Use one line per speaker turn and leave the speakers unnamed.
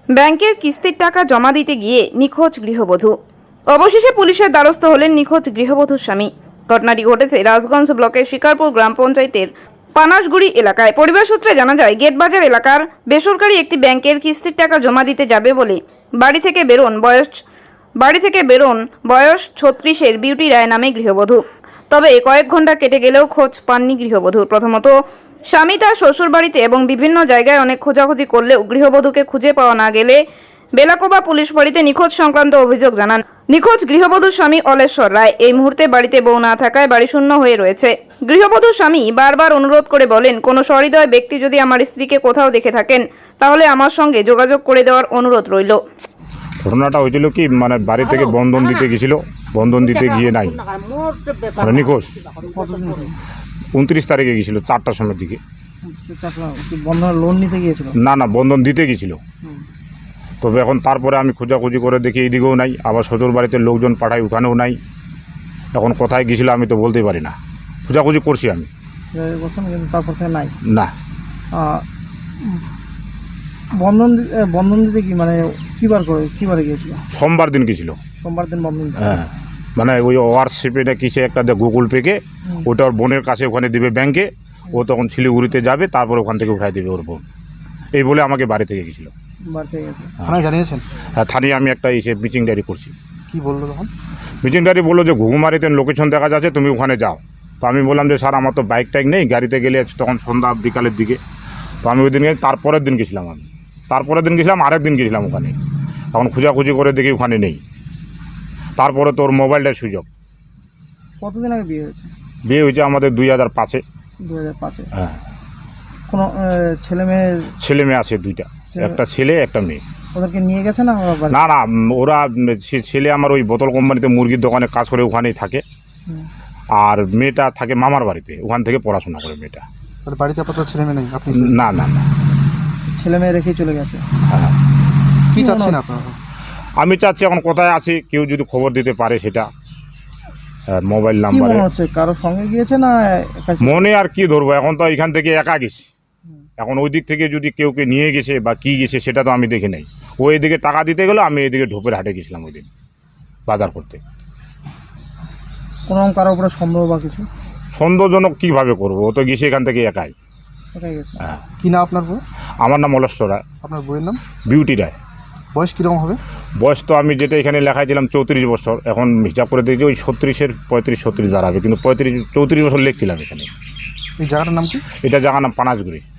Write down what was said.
ব্যাংকের কিস্তির টাকা জমা দিতে গিয়ে নিখোঁজ গৃহবধূ। অবশেষে পুলিশের দ্বারস্থ হলেন নিখোঁজ গৃহবধূর স্বামী। ঘটনাটি ঘটেছে রাজগঞ্জ ব্লকের শিকারপুর গ্রাম পঞ্চায়েতের পানাশগুড়ি এলাকায়। পরিবার সূত্রে জানা যায়, গেটবাজার এলাকার বেসরকারি একটি ব্যাংকের কিস্তির টাকা জমা দিতে যাবে বলে বাড়ি থেকে বেরোন বয়স 36-এর বিউটি রায় নামে গৃহবধূ। তবে কয়েক ঘন্টা কেটে গেলেও খোঁজ পাননি গৃহবধূর। প্রথমত স্বামী তার শ্বশুর বাড়িতে এবং বিভিন্ন জায়গায় অনেক খোঁজাখুঁজি করলেও গৃহবধূকে খুঁজে পাওয়া না গেলে বেলাকোবা পুলিশ ফাঁড়িতে নিখোঁজ সংক্রান্ত অভিযোগ জানান নিখোঁজ গৃহবধূর স্বামী অলেশ্বর রায়। এই মুহূর্তে বাড়িতে বউ না থাকায় বাড়ি শূন্য হয়ে রয়েছে। গৃহবধূর স্বামী বারবার অনুরোধ করে বলেন, কোনো সহৃদয় ব্যক্তি যদি আমার স্ত্রীকে কোথাও দেখে থাকেন তাহলে আমার সঙ্গে যোগাযোগ করে দেওয়ার অনুরোধ রইল।
ঘটনাটা হয়েছিল কি, মানে বাড়ি থেকে বন্ধন দিতে গেছিল, বন্ধন দিতে গিয়ে নাই, মানে নিখোঁজ। 29 তারিখে গেছিল 4টার সময়ের দিকে।
বন্ধনের লোন নিতে গিয়েছিল?
না, বন্ধন দিতে গেছিল। তবে এখন তারপরে আমি খোঁজাখুঁজি করে দেখি এইদিকেও নাই, আবার শ্বশুর বাড়িতে লোকজন পাঠাই, ওখানেও নাই। এখন কোথায় গেছিল আমি তো বলতেই পারি না। খোঁজাখুঁজি করছি আমি,
কিন্তু তারপর থেকে নাই।
না।
বন্ধন দিতে কি মানে কিবারে গিয়েছিল?
সোমবার দিন গেছিল।
সোমবার দিন বন্ধন দিতে?
হ্যাঁ, মানে ওই হোয়াটসঅ্যাপে না কিসে একটা গুগল পেকে ওটা ওর বোনের কাছে ওখানে দিবে ব্যাংকে। ও তখন শিলিগুড়িতে যাবে, তারপর ওখান থেকে উঠাই দেবে ওর বোন। এই বলে আমাকে বাড়ি থেকে গেছিলো।
বাড়ি থেকে গেছে?
থানায় জানিয়েছেন?
হ্যাঁ, থানায় আমি একটা মিটিং ডায়েরি করছি।
কি বললো তখন?
মিটিং ডায়েরি বললো যে ঘুঘুমারিতে লোকেশন দেখা যাচ্ছে, তুমি ওখানে যাও। তো আমি বললাম যে স্যার, আমার তো বাইক টাইক নেই, গাড়িতে গেলে তখন সন্ধ্যা বিকালের দিকে। তো আমি ওই দিন তারপরের দিন গেছিলাম। আরেক দিন গেছিলাম ওখানে। তখন খোঁজাখুঁজি করে দেখি ওখানে নেই। তারপরে তোর মোবাইলটার সুযোগ।
কতদিন আগে বিয়ে হয়েছে?
বিয়ে হয়েছে আমাদের 2005-এ।
2005-এ?
হ্যাঁ।
কোনো ছেলে মেয়ে
আছে 2টা, একটা ছেলে একটা মেয়ে।
ওদেরকে নিয়ে গেছে না?
না, ওরা ছেলে আমার ওই বোতল কোম্পানিতে মুরগির দোকানে কাজ করে, ওখানেই থাকে। আর মেয়েটা থাকে মামার বাড়িতে, ওখান থেকে পড়াশোনা করে মেয়েটা।
তাহলে বাড়িতে আপাতত ছেলে মেয়ে নেই? আপনি?
না,
ছেলে মেয়ে রেখেই চলে গেছে।
হ্যাঁ।
কি চাচ্ছেন আপনারা?
আমি চাচ্ছি এখন কোথায় আছে কেউ যদি খবর দিতে পারে, সেটা মোবাইল নাম্বার।
মনে হচ্ছে কারো সঙ্গে গিয়েছে না
মনে আর কি ধরবো, এখন তো এখান থেকে একা গেছি। এখন ওই দিক থেকে যদি কেউকে নিয়ে গেছে বা কি গেছে সেটা তো আমি দেখি নাই। ও এদিকে টাকা দিতে গেলো, আমি এদিকে ঢোপের হাটে গেছিলাম ওই দিন বাজার করতে।
কোনো কারোর উপরে সন্দেহ বা কিছু?
সন্দেহজনক কীভাবে করবো, ও তো গেছে এখান থেকে একাই।
গেছে?
হ্যাঁ।
কি না আপনার বউ?
আমার নাম অলেশ্বর রায়।
আপনার বউয়ের নাম?
বিউটি রায়।
বয়স কীরকম হবে?
বয়স তো আমি যেটা এখানে লেখাইছিলাম 34 বছর, এখন হিসাব করে দেখছি ওই 36-এর 35-36 দাঁড়াবে, কিন্তু 34 বছর লিখছিলাম এখানে।
এই জায়গাটার নাম কি?
এটা জায়গার নাম পানাশগুড়ি।